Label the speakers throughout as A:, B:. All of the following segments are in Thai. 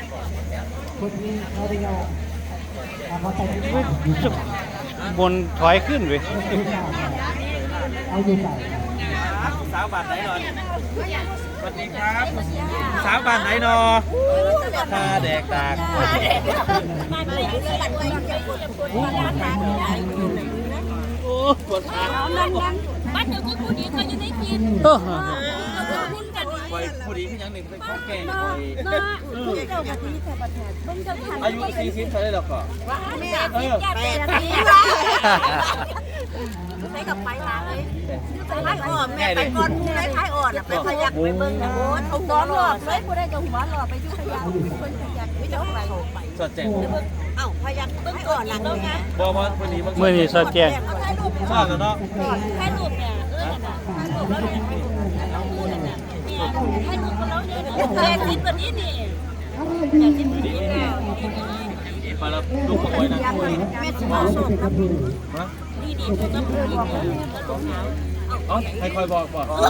A: บนถอยขึ้นเลย
B: สาวบ้านไหนนอนสวัสดีครับสาวบ้านไหนนอตาแดกตากโอ้ปวดขา
C: บ้านเดี๋ยวนี้ผู้ดีเขาจะได้กิน
B: ผู้ดีพี่ยังหนึ่งเป็นข้อแก่
C: อา
B: ยุ40เท่าไรหรอกก็
C: ไปกับไปมาเลยท้ายอ่อนแม่ไปก่อนผู้ได้ท้ายอ่อนไปขยักไปเบิ่งนะโอ้เขาซ้อนหลอดเลยผู้ได้กับหัวหลอดไปยุ่ขยักคนขยักไม่ต้องไป
B: สดแจ้ง
C: เอ้าขยักเบิ่งก่อนหลังนะ
B: บอกว่าพอดี
A: เมื่อนี้สดแจ้ง
B: ชอบแล้วเนาะ
C: ถ่ายรูปเนี่ยถ่ายรูปแล้วเนี่ยพูดน่ะเนี่ยถ่ายรูปแล้วเนี่ยแต่จิตแบบนี้นี่แต่จิตแบบนี้นี่
B: มาแล้วลูกบอกไว้นะ
C: แม่สิบอกสดครับนี่ดีๆก็คือบอก
B: อ๋อใครคอยบอก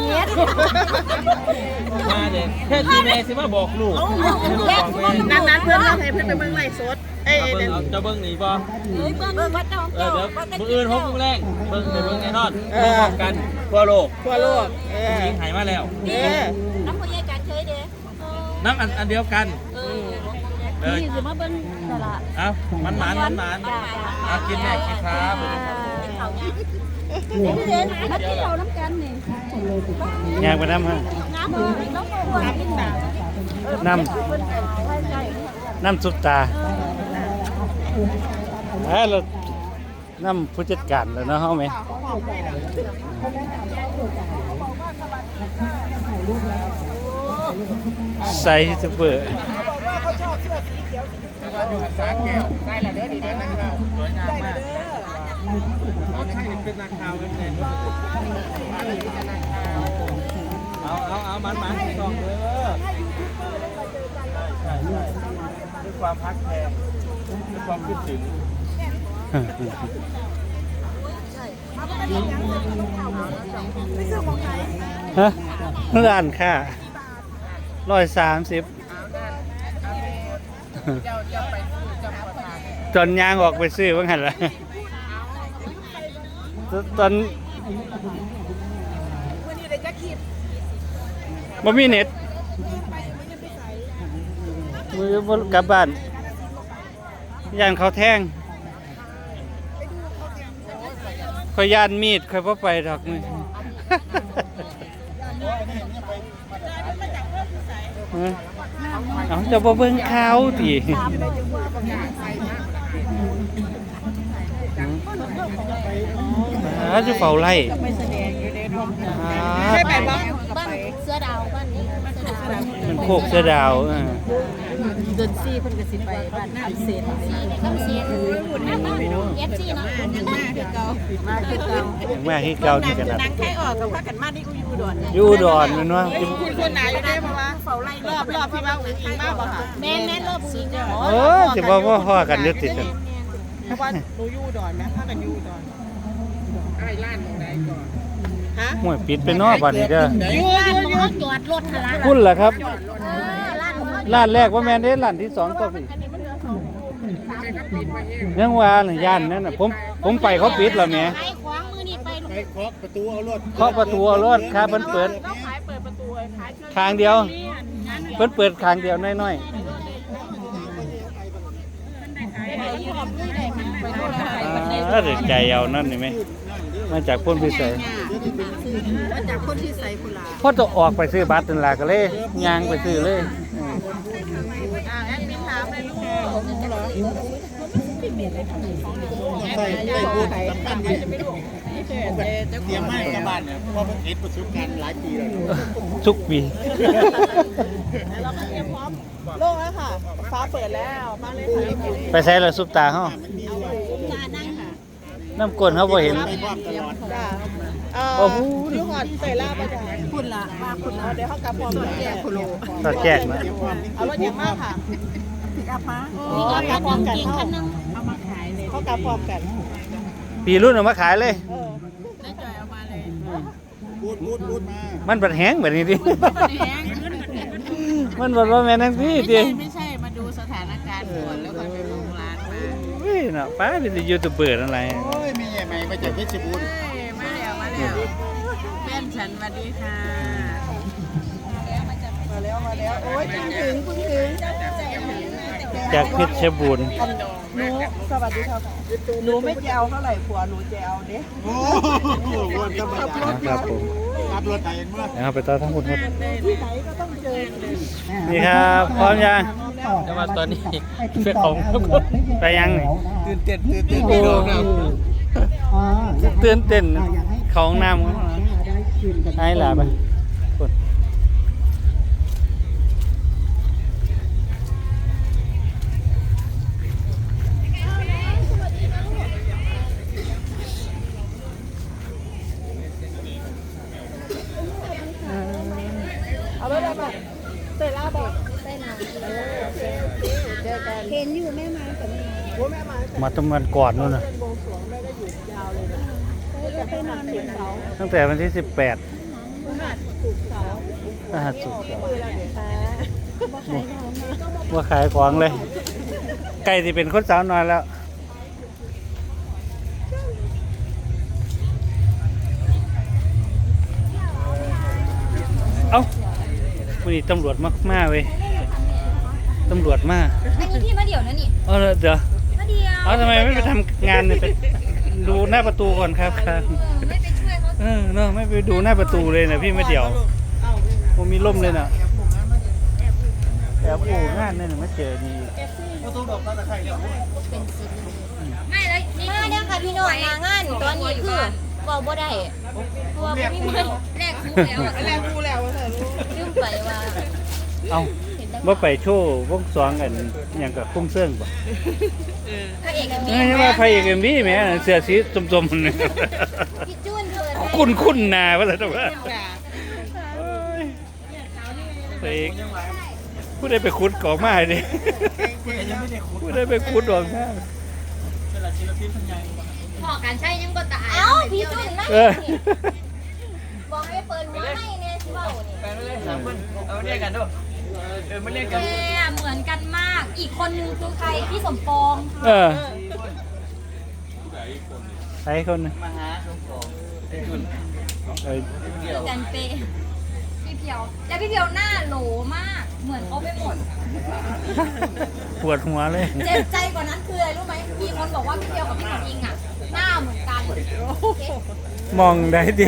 B: มาเด็กแค่ทีเมย์สิมาบอกลูก
D: นั้นเพื่อนเราให้เพื่อนไปเบิ่งไลฟ์สด
B: จะเบิ้งหนีบ่
C: เบิ่งวัดน้อง
B: เดี๋ยวมื้ออื่น6 โมงแรงเบิ้งแน่นอนพร้อมกันทั่วโลกหญิงหายมาแล้ว
C: น้ำพยาการเคยเด้
B: น้ำอันเดียวกัน
C: นี่สิมาเบิ่งตลาด
B: เอ้ามันกินแม่กินครับ
C: มาที่เราน้ำกันนี่
A: อยากไปน้ำฮะน้ำซุปตาเราน้ำผู้จัดการแล้วเนาะเฮาไหมใส่ซุปเปอร์
B: ได้ละเด้อดีเด้อนะครับสวยงามมากเขาใช่เป็นนักข่าวเป็นไงเอามันส่องเลยใช่ด้วยความพักแพงด้วยความคิดถึง
A: ฮะร้านค่ะ130จนยางออกไปซื้อว่างั้นล่ะตอนบ่มีเน็ตบ่กลับบ้านย่านเขาแท่งค่อยย่านมีดค่อยบ่ไปดอกมื้อเอาจะบ่เบิ่งข่าวติจะเฝ้าไล่
D: ใช่ไปบ้าง
C: บ้านเสือดาวบ้านนี้
A: มันโคกเสือดาว
D: เดินซี่เพิ่นก็สิไปบ้านน้ำเสียน
C: น้ำเสียนFC เนาะ
D: ยังมาคือเก่า
A: แม่ที่เก่าที่ขนาด
D: นางไข่ออกกับพากันมาที่อุดร
A: อยู่อุดรแม่นว่า
D: คุณคนไหนอยู่ได้เพราะว่าเฝ้าไล่รอบที่ว่าอุ้งอิงมาบ่ค่ะ
C: แม่รอบอุ้งอิง
A: สิบ่พ้อกันอยู่ติดกัน
D: เพราะว่าหนูอยู่อุดรนะพากันอยู่อุดรไอ้ร้านตรงไหนก่อนฮะ
A: ห้วยปิดไปนอกบัดนี้เด้อ
C: อยู่จอดรถหะ
A: คุณล่ะครับร้านแรกว่าแม่นเด้ร้านที่2ก็สิยังว่าย่านนั่นน่ะผมไปเขาปิดแล้วแหม
C: ขวางมือนี่ไป
B: เคาะประตูเอารถ
A: ครับเพิ่นเปิดทางเดียวเพิ่นเปิดทางเดียวน้อยๆดึกใจเอานั่นนี่ไหมมาจากพ้นพิเศษ
D: มาจากพ้นพิเศษพุ่นล่ะ
A: พอจะออกไปซื้อบัตรนั่นล่ะก็เลยย่างไปซื้อเลย
D: แอดมินถามเลยลูกเหรอ
B: ใส่บูทสำคัญดีเตรียมไม้กับบ้านเนี่ยพอมันติดประสบการณ์หลายปีแล้ว
A: ทุกปี
D: เราก็เตรียมพร้อมโล่งแล้วค่ะฟ้าเปิดแล้วมาเลยค่ะ
A: ไปใส่ละซุปตาเฮาน้ำก้นเขาบ่เห็น
D: โอ้โหลูกหอดใส่ลาบจ้ะคุณล่ะมาคุณเดี๋ยวเขากลับพร้อมแจกคุณโล
A: ตัดแจกนะ
D: เอารถเยอะมากค่ะกลับมา
C: นี่ก็พร้อมกันคันนึง
D: เอามาขายเลยเขากลับพร้อมกัน
A: ปีรุ่นเอามาขายเลย
D: ได้จ่อยเอามาเลย
B: บูดมา
A: มันบัดแห้งแบบนี้ดิมันบัดว่าแม่นางพี่ดิ
D: ไม่ใช่มาดูสแล้วก็ไปลงร้านมา
A: เฮ้ยเนาะป้าเป็นยูทูบเบอร์อะไร
E: โอ้ยมีใหญ่ใหม่มาจากเพชรบูรณ์
D: มาแล้วแม่ฉันสวัสดีค่ะมาแล้วโอ้ยถึง
A: จากเพชรบูรณ์
D: หนูสวัสดีครับหนูไม่จะเอาเท่าไหร่ผัวหนูจะเอาเด้
E: โอ้โหวนธรรมดา
A: ครับผม
E: รับรถไถเองเมื่อ
A: นะครับไปต่อทั้งหมดครับ
D: ที่ไหนก็ต้องเจอ
A: นี่ครับพร้อมยังจะมาตอนนี้เป็นของไปยังนี่
E: ตื่นเต้นพี่
A: โอ้
E: น้องครับ
A: ตื่นเต้นเขาห้องน้ำให้หลาไปกด
D: เอาไปเลยป่ะเตะล่าบอกเต้นนะเจอกัน
C: เห็นอยู่แม่ไม้กับแม่
D: โอ้แม่มา
A: มาตำวันก่อนนู่นนะ
D: เป็นวงสวงแม่ก็หยุดยาวเลยนะจะไปนอนเขียนเสา
A: ตั้งแต่วันที่ 18
D: ถูกเสา
A: พฤหัสศุกร์
D: มือละเดี๋ยวตา
A: ว่าขายของเลยใกล้ที่เป็นคนสาวน้อยแล้วเอ้าวันนี้ตำรวจมากๆเว้ยตำรวจมาก
C: อันนี้พี่มาเดี๋ยวนะนี่
A: เดี๋ยว
C: มาเดี๋ยว
A: เอาทำไมไม่ไปทำงานเลยไปดูหน้าประตูก่อนครับครับ
C: ไม่ไปช่วยเขา
A: เนาะไม่ไปดูหน้าประตูเลยนะพี่ไม่เดี๋ยวผมมีร่มเลยนะแอบอู่งานนี่ไม่เจอนี่
C: ไม่แล้วมาเนี่ยค่ะพี่น้องมางานตอนนี้คือบอกบ่ได้ตัวบ่มีมันแรกคู่แล้ว
D: แรงกูแล้วเถอะลูก
C: ลืมไปว่า
A: เอ้าว่าไปโชว์วงสองกันอย่างกับคุ้มเสื่องป่ะ
C: พระเอกมี
A: ไม่ว่าไฟเอกเอ็มวีแม่เสื้อสีจมๆนี่
C: พี่จุนเปิด
A: คุ้นๆนาว่าอะไรตัวว่าไฟเอกผู้ใดไปขุดของมาดิผู้ใดไปขุดของมา
C: พอกันใช่ยังก็ตายเอ้าพี่จุนไม่บอกให้เปิดหัวให้เนี่ยที่เบ้านี่
B: ไปไม่เล่นสามคนเอาเรียกกันด้วยไม่เรียกกัน
C: แม่เหมือนกันมาก อีกคนนึงคือใครพี่สมปอง
A: ใครคนนึง
B: มาหาสมปอง
C: คือกันเปพี่เพียวแล้วพี่เพียวหน้าโหลมาก เหมือนเขาไปหมด
A: ปวดหัวเลย
C: เจ็บใจกว่านั้นคืออะไรรู้ไหมมีคนบอกว่าพี่เพียวกับพี่หนุ่มอิงอ่ะหน้าเหมือนกัน
A: มองได้ดิ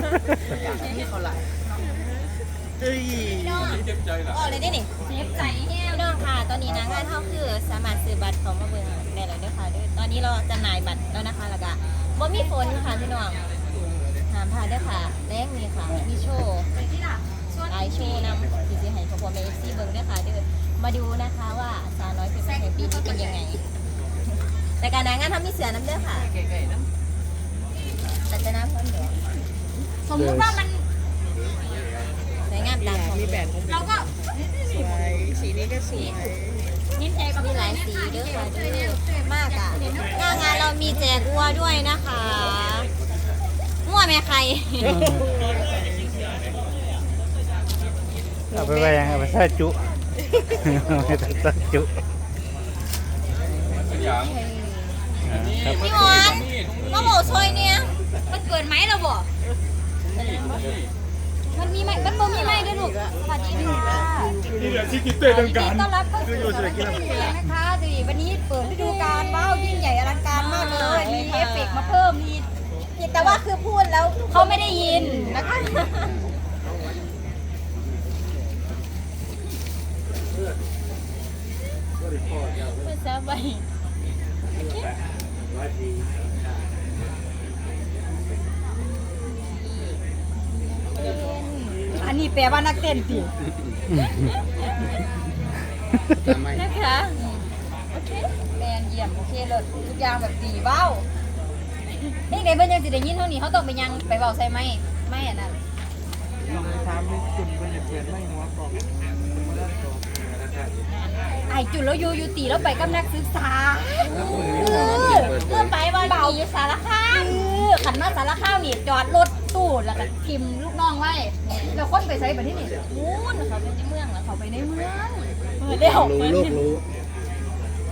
C: อ๋อเลยได้หนิเจ็บใจแห้น้องค่ะ ตอนนี้นะงานเท่าคือสามารถซื้อบัตรของมาเบิ่งได้เลยด้วยค่ะด้วยตอนนี้เราจำหน่ายบัตรแล้วนะคะแล้วก็บ่มีฝนค่ะพี่น้องหามพาด้วยค่ะแรกมีค่ะมีโชว์ไอโชว์นำดีซีให้พอเอฟซีเบิ่งด้วยค่ะด้วยมาดูนะคะว่าสาวน้อยเพชรแห่งปีนี้เป็นยังไงแต่การงานทำมีเสือน้ำเด้อค่ะแต่จะน้ำพ้นเดี๋ยวสมมติว่ามันสวยงามตามของเราก็
D: สวยสีนี้ก็สวย
C: มีหลายสีด้วยค่ะด้วยมากอ่ะหน้างานเรามีแจกวัวด้วยนะคะมั่วไหมใคร
A: เอาไปไว้ยังเอาไปใส่จุไม่ต้องใส่จุครับ
C: พี่หวานมาโหซอยเนี่ยมันเกิดไหมเราบอกมันมีไหมมันบ่มีไหมด้วยลูกสวัสดีค่ะ
E: นี่แหละที่กินเต้ดังการ
C: ต้อนรับเข้าสู่ร้านกาแฟนะคะดีวันนี้เปิดฤดูกาลว้าวยิ่งใหญ่อลังการมากเลยมีเอฟเฟกต์มาเพิ่มมีแต่ว่าคือพูดแล้วเขาไม่ได้ยินนะคะไม่ทราบไปอันนี้แปลว่านักเต้นสินะคะโอเคแมนเยี่ยมโอเคเลยทุกอย่างแบบดีเบ้าเด็กๆเพิ่นยังสิได้ยินเท่านี้เขาต้องไปยังไปเบาใส่ไหมไม่อันนั้น
B: ถามไม่จุ่มเป็นเพื่อนไม่หัวกรอบ
C: ไอจุดแล้วอยู่ตีแล้วไปกับนักศึกษาเพื่อไปวันดีอยู่สารคามขันมาสารคามนี่จอดรถตู้แล้วก็ทิมลูกน้องไว้แล้วคนไปใส่แบบที่นี่นู้นเขาไปในเมืองแล้วเขาไปในเมืองเดี๋ยว
E: รู้โลกรู้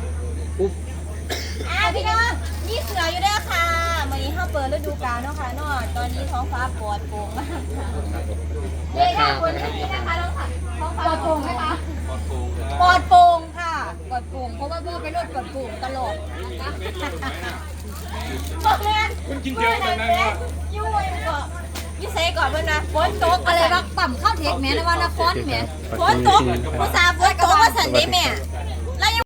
C: พี่น้องนี่เสืออยู่ด้วยค่ะวันนี้เขาเปิดฤดูกาลเนาะค่ะเนาะตอนนี้ท้องฟ้าปลอดโปร่งมากค่ะเย้ค่ะคนที่นะคะน้องค่ะท้องฟ้าปลอดโปร่งไหมคะปลอดโปร่งค่ะปลอดโปร่งเพราะว่าโบไปรถปลอดโปร่งตลอดนะคะบอกเลยคุณกินเยอะขนาดนั้นว่ายุ่ยก่อนยิ่เซ่ก่อนเพื่อนนะฝนตกอะไรวะปั่มข้าวเทคแม่นะว่านครแม่ฝนตกภาษาฝนตกว่าสันเดแม่